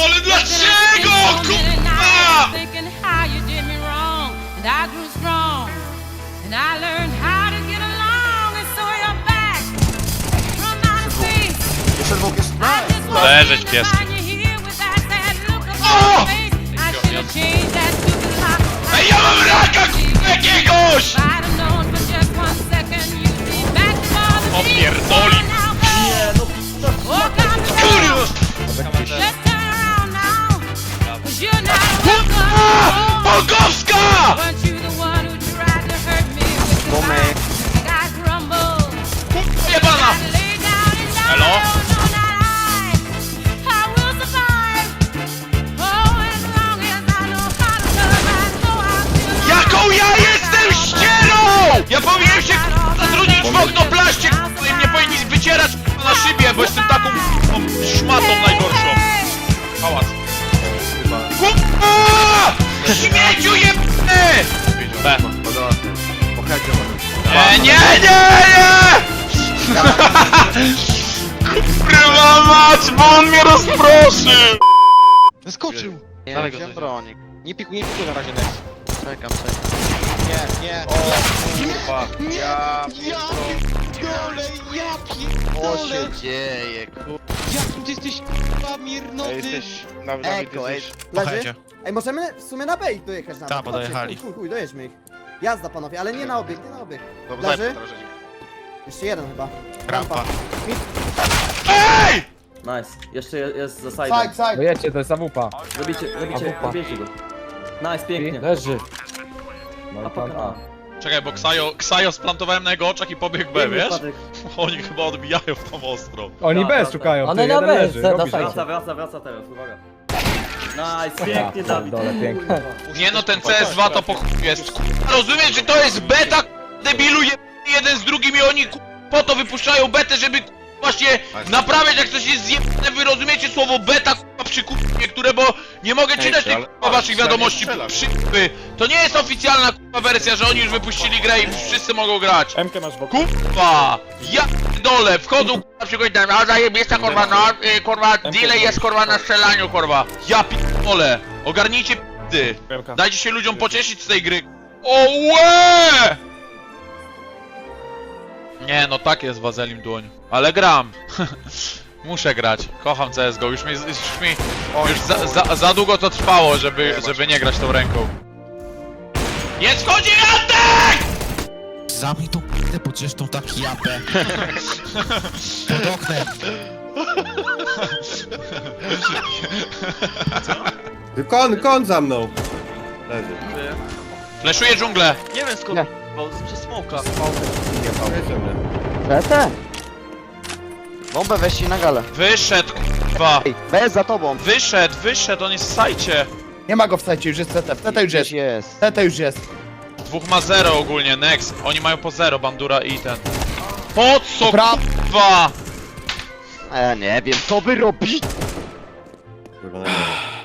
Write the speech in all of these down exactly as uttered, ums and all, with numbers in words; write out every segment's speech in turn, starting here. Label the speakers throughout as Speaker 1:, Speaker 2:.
Speaker 1: pierdolę, dlaczego? Kurwa!
Speaker 2: Jeszcze dwóch jest...
Speaker 1: Leżeć pieski. O! Ej, ja mam raka, kurwa, jakiegoś! O pierdoli!
Speaker 2: Nie, no...
Speaker 1: Kurwa! Bogowska!
Speaker 2: Tomek.
Speaker 1: Kurwa jebana! Elo? Jaką ja jestem ścierą! Ja powinienem się zatrudnić w okno plaście, i mnie powinni wycierać na szybie, bo jestem taką szmatą najgorszą. Pałac. Kurwa! Śmieciu jebny! B. Nie, nie, nie, nie! Kurwa mać, bo on mnie rozproszył!
Speaker 2: Wyskoczył!
Speaker 3: Nie,
Speaker 2: Dawaj
Speaker 3: wziąłem
Speaker 2: go,
Speaker 3: bronik.
Speaker 2: Nie pikuj, nie pikuj na razie, Nex.
Speaker 3: Czekam, czekam.
Speaker 2: Nie, nie.
Speaker 3: O kurwa. Ja
Speaker 2: pierdolę, ja
Speaker 3: Co
Speaker 2: pierdolę!
Speaker 3: się dzieje, kurwa.
Speaker 2: Jakim ty jesteś k***a mirnoty!
Speaker 3: Eko, ej.
Speaker 4: Leży? Ej, możemy w sumie na B ich dojechać nawet.
Speaker 5: Tak, bo
Speaker 4: Chodźcie,
Speaker 5: dojechali.
Speaker 4: Chuj, chuj, chuj, dojedźmy ich. Jazda panowie, ale nie na obieg, nie na obieg.
Speaker 2: Dobra,
Speaker 4: Leży?
Speaker 2: daj,
Speaker 4: Jeszcze jeden chyba.
Speaker 5: Rampa.
Speaker 1: Ej!
Speaker 6: Nice. Jeszcze je- jest za side'em.
Speaker 4: Side, side.
Speaker 7: Dojedźcie, to jest awupa.
Speaker 6: Zabicie, zabicie,
Speaker 7: Awupa.
Speaker 6: zabijcie go. Nice, pięknie.
Speaker 7: Leży. No
Speaker 6: A
Speaker 7: i
Speaker 6: poka,
Speaker 7: tam.
Speaker 6: a.
Speaker 1: Czekaj, bo Ksajo, Ksajo splantowałem na jego oczach i pobiegł B,
Speaker 6: Piękny
Speaker 1: wiesz?
Speaker 6: spadek.
Speaker 1: Oni chyba odbijają w tą ostro.
Speaker 7: Oni
Speaker 6: Tak,
Speaker 7: bez
Speaker 6: tak,
Speaker 7: szukają,
Speaker 8: One
Speaker 7: ty,
Speaker 8: na
Speaker 7: jeden
Speaker 8: bez,
Speaker 7: leży,
Speaker 8: za-
Speaker 7: robisz
Speaker 8: za
Speaker 7: to.
Speaker 6: Wraca, wraca, wraca teraz, uwaga. Nice, pięknie
Speaker 7: Ja
Speaker 6: Dawid.
Speaker 7: pierdolę, pięknie.
Speaker 6: Kurwa.
Speaker 1: Nie no, ten C S dwa to po chuj jest. Kurwa, rozumiesz, że to jest beta, debilu je... jeden z drugim i oni kurwa, po to wypuszczają betę, żeby kurwa, właśnie naprawiać jak coś jest zjebane. Wy rozumiecie słowo beta kurwa, przy kupie, które, bo nie mogę czytać tych kurwa, waszych wiadomości przypy. To nie jest oficjalna kurwa wersja, że oni już wypuścili grę i wszyscy mogą grać.
Speaker 7: Emkę masz wokół.
Speaker 1: Kurwa! Ja dole wchodzą kurwa przychodzi tam, a zajebista kurwa no, y, kurwa delay jest kurwa na strzelaniu kurwa. Ja p***ole! Ogarnijcie p***y! Dajcie się ludziom pocieszyć z tej gry. O łe! Nie no tak jest Wazelim dłoń. Ale gram. Muszę grać. Kocham C S G O. Już mi, już mi już za, za, za długo to trwało, żeby, żeby nie grać tą ręką. Nie schodzi Antek!
Speaker 5: Zamknij tą p***ę, bo zresztą tak japę. Pod oknem.
Speaker 9: Kon, kon za mną! Leży.
Speaker 1: Fleszuję dżunglę.
Speaker 3: Nie wiem skąd, bo przez smoka.
Speaker 8: Lecę? Bombę weźcie na galę.
Speaker 1: Wyszedł kurwa.
Speaker 8: Ej, bez za tobą.
Speaker 1: Wyszedł, wyszedł, on jest w sajcie.
Speaker 7: Nie ma go w sajcie, już jest C T. W C T już jest.
Speaker 8: Gdzieś jest.
Speaker 7: C T już jest.
Speaker 1: Dwóch ma zero ogólnie, next. Oni mają po zero, Bandura i ten. Po co
Speaker 7: Pra-
Speaker 1: kurwa?
Speaker 8: A ja nie wiem, co wy robicie?
Speaker 9: Kurwa, na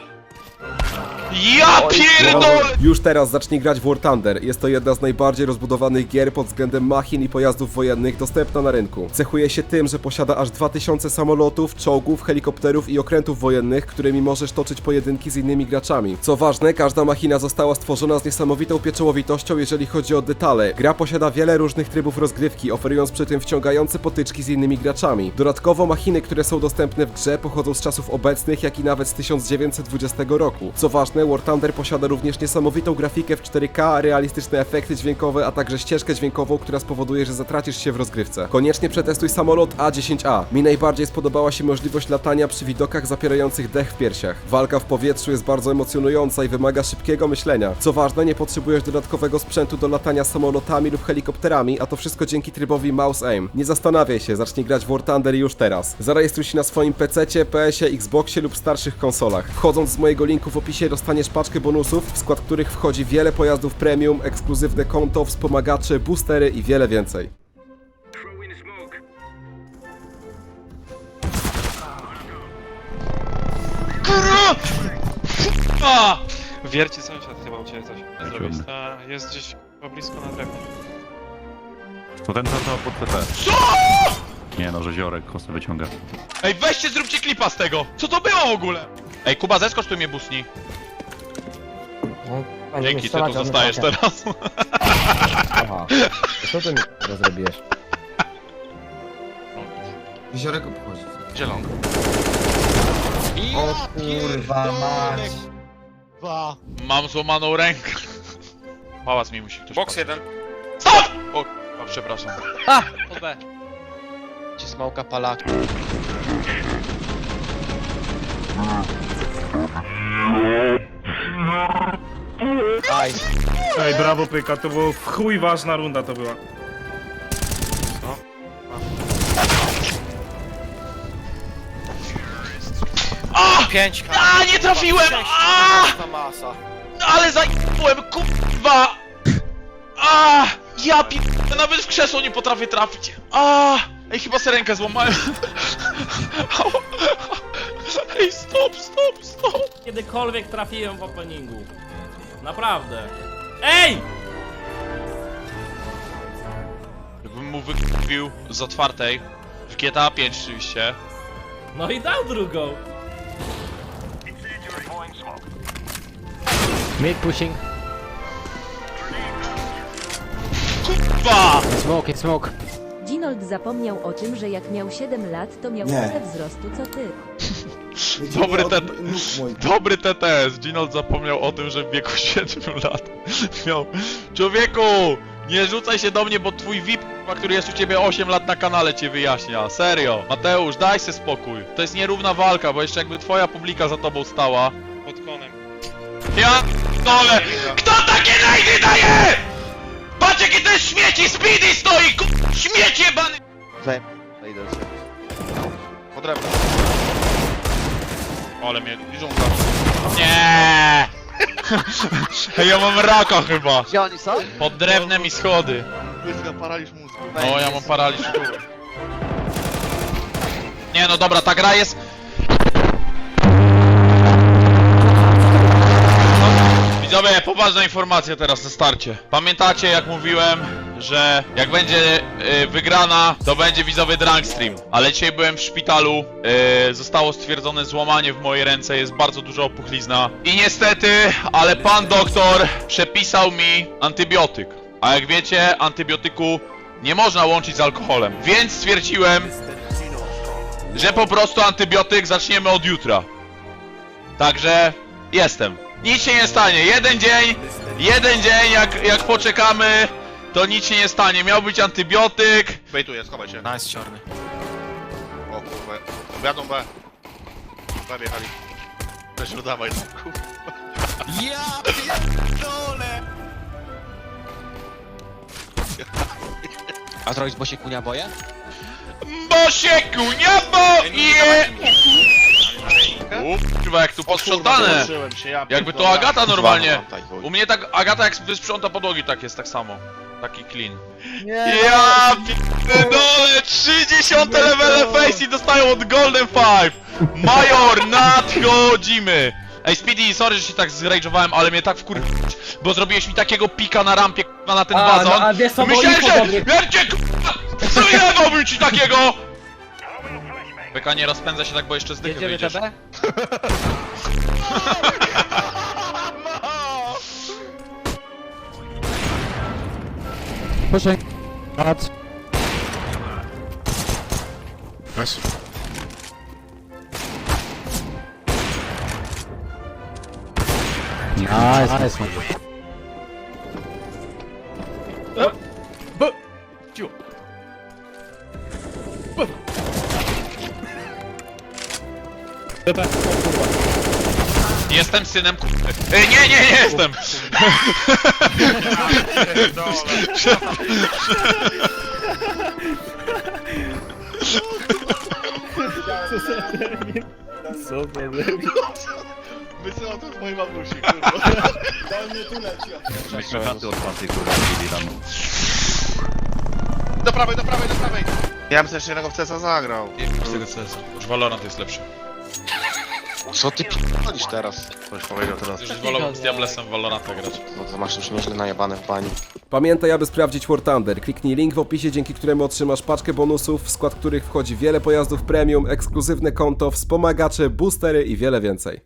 Speaker 1: Ja pierdolę!
Speaker 10: Już teraz zacznij grać w War Thunder. Jest to jedna z najbardziej rozbudowanych gier pod względem machin i pojazdów wojennych dostępna na rynku. Cechuje się tym, że posiada aż dwa tysiące samolotów, czołgów, helikopterów i okrętów wojennych, którymi możesz toczyć pojedynki z innymi graczami. Co ważne, każda machina została stworzona z niesamowitą pieczołowitością, jeżeli chodzi o detale. Gra posiada wiele różnych trybów rozgrywki, oferując przy tym wciągające potyczki z innymi graczami. Dodatkowo machiny, które są dostępne w grze, pochodzą z czasów obecnych, jak i nawet z tysiąc dziewięćset dwudziestego roku. Co ważne, War Thunder posiada również niesamowitą grafikę w cztery K, realistyczne efekty dźwiękowe, a także ścieżkę dźwiękową, która spowoduje, że zatracisz się w rozgrywce. Koniecznie przetestuj samolot A dziesięć A. Mi najbardziej spodobała się możliwość latania przy widokach zapierających dech w piersiach. Walka w powietrzu jest bardzo emocjonująca i wymaga szybkiego myślenia. Co ważne, nie potrzebujesz dodatkowego sprzętu do latania samolotami lub helikopterami, a to wszystko dzięki trybowi Mouse Aim. Nie zastanawiaj się, zacznij grać w War Thunder już teraz. Zarejestruj się na swoim pececie, P S ie, Xboxie lub starszych konsolach. Wchodząc z mojego linku w opisie dostaniesz paczkę bonusów, w skład których wchodzi wiele pojazdów premium, ekskluzywne konto, wspomagacze, boostery i wiele więcej.
Speaker 1: A!
Speaker 11: Wierci sąsiad chyba u ciebie coś nie zrobić. Ta jest gdzieś blisko na drewnie.
Speaker 12: To ten to, to pod T P.
Speaker 1: Co?
Speaker 12: Nie no, że ziorek kosy wyciąga.
Speaker 1: Ej, weźcie, zróbcie klipa z tego! Co to było w ogóle? Ej, Kuba, zeskocz tu mnie busni.
Speaker 7: No,
Speaker 1: Dzięki, ty tu zostajesz teraz.
Speaker 7: Aha. Co ty mi teraz zrobiłeś?
Speaker 5: Jeziorek obchodzi.
Speaker 3: Zielony.
Speaker 2: O
Speaker 7: kurwa mać.
Speaker 2: Dwa.
Speaker 1: Mam złamaną rękę. Pałac mi musi ktoś
Speaker 11: Box
Speaker 1: podać.
Speaker 11: jeden.
Speaker 1: Stop! O, o przepraszam.
Speaker 3: Pod B.
Speaker 2: Ci smoka palaka. Nice.
Speaker 11: Ej, brawo Pyka, to było w chuj ważna runda to była.
Speaker 1: A!
Speaker 3: Pięć.
Speaker 1: A, nie trafiłem! A!
Speaker 3: masa.
Speaker 1: Ale zajebałem, kurwa! A! Ja pi... nawet w krzesło nie potrafię trafić. A! Ej, chyba se rękę złamałem. Ej, stop, stop, stop!
Speaker 6: Kiedykolwiek trafiłem w openingu. Naprawdę. Ej!
Speaker 1: Jakbym mu wykupił z otwartej. W G T A pięć oczywiście.
Speaker 6: No i dał drugą.
Speaker 2: Mid pushing.
Speaker 1: Kurwa!
Speaker 2: Smoke, smoke.
Speaker 13: Ginold zapomniał o tym, że jak miał siedem lat, to miał
Speaker 4: Nie.
Speaker 13: tyle wzrostu co ty.
Speaker 1: Dobry T T Dobry T T S. Ginold zapomniał o tym, że w wieku siedmiu lat miał... Człowieku! Nie rzucaj się do mnie, bo twój V I P, który jest u ciebie osiem lat na kanale, cię wyjaśnia. Serio. Mateusz, daj se spokój. To jest nierówna walka, bo jeszcze jakby twoja publika za tobą stała.
Speaker 11: Pod konem.
Speaker 1: Ja dole! Kto takie najdy daje?! Patrz jakie to jest śmieci! Speedy stoi! Ku... Śmieć jebany!
Speaker 3: Zajem. Idę się. Pod drewno.
Speaker 1: Ale mnie dżungla. Nie! Hej, ja mam raka chyba.
Speaker 3: Gdzie oni są?
Speaker 1: Pod drewnem i schody.
Speaker 3: Błyska paraliż mózgu.
Speaker 1: O, ja mam paraliż tu. Nie no dobra, ta gra jest... Widzowie, poważna informacja teraz na starcie. Pamiętacie jak mówiłem, że jak będzie y, wygrana, to będzie widzowy drunk stream. Ale dzisiaj byłem w szpitalu, y, zostało stwierdzone złamanie w mojej ręce, jest bardzo duża opuchlizna. I niestety, ale pan doktor przepisał mi antybiotyk. A jak wiecie, antybiotyku nie można łączyć z alkoholem. Więc stwierdziłem, że po prostu antybiotyk zaczniemy od jutra. Także jestem. Nic się nie stanie. Jeden dzień, jeden dzień, jak, jak poczekamy, to nic się nie stanie. Miał być antybiotyk.
Speaker 3: Bejtuję, schowaj się.
Speaker 5: Nice, czarny.
Speaker 3: O kurwa. Wiadą B. B wjechali. Też dawaj tam, kurwa.
Speaker 5: Ja pierdolę!
Speaker 2: A zrobić bo się kunia boję?
Speaker 1: Bo się kunia boję! Kurwa, jak tu posprzątane. Jakby to Agata normalnie. U mnie tak, Agata jak wysprząta podłogi, tak jest, tak samo. Taki clean.
Speaker 4: Nie,
Speaker 1: Ja pierdolę! trzydzieste levele face i dostają od Golden Five! Major, nadchodzimy! Ej, Speedy, sorry, że się tak zrage'owałem, ale mnie tak wkur... Bo zrobiłeś mi takiego pika na rampie, k***a, na ten
Speaker 6: A,
Speaker 1: wazon.
Speaker 6: no, a wiesz co, bo
Speaker 1: Myślałem,
Speaker 6: info
Speaker 1: że...
Speaker 6: dobry.
Speaker 1: Wiecie, k***a! Zrobiłem ci takiego! Beka, nie rozpędza się tak, bo jeszcze z dychy
Speaker 2: Jedziemy
Speaker 1: wyjdziesz.
Speaker 2: D B? Pushing. Not.
Speaker 5: Nice.
Speaker 2: Nice, nice.
Speaker 1: Jestem synem k***y. Ej, nie, nie, nie jestem!
Speaker 11: Co za debil?
Speaker 3: Wysyłam to z mojej mamusi, kurwa.
Speaker 12: Myśmy chaty otwartej, kurwa, robili tam.
Speaker 3: Do prawej, do prawej, do prawej! Ja bym też jednego w C S a zagrał.
Speaker 1: Z tego C S a. Już Valorant jest lepszy.
Speaker 3: Co ty p***olisz teraz? Ktoś powiedział teraz.
Speaker 1: Już wolałbym z Diablesem w Valoranta grać.
Speaker 3: No to masz już nieźle najebane w bani.
Speaker 10: Pamiętaj, aby sprawdzić War Thunder. Kliknij link w opisie, dzięki któremu otrzymasz paczkę bonusów, w skład których wchodzi wiele pojazdów premium, ekskluzywne konto, wspomagacze, boostery i wiele więcej.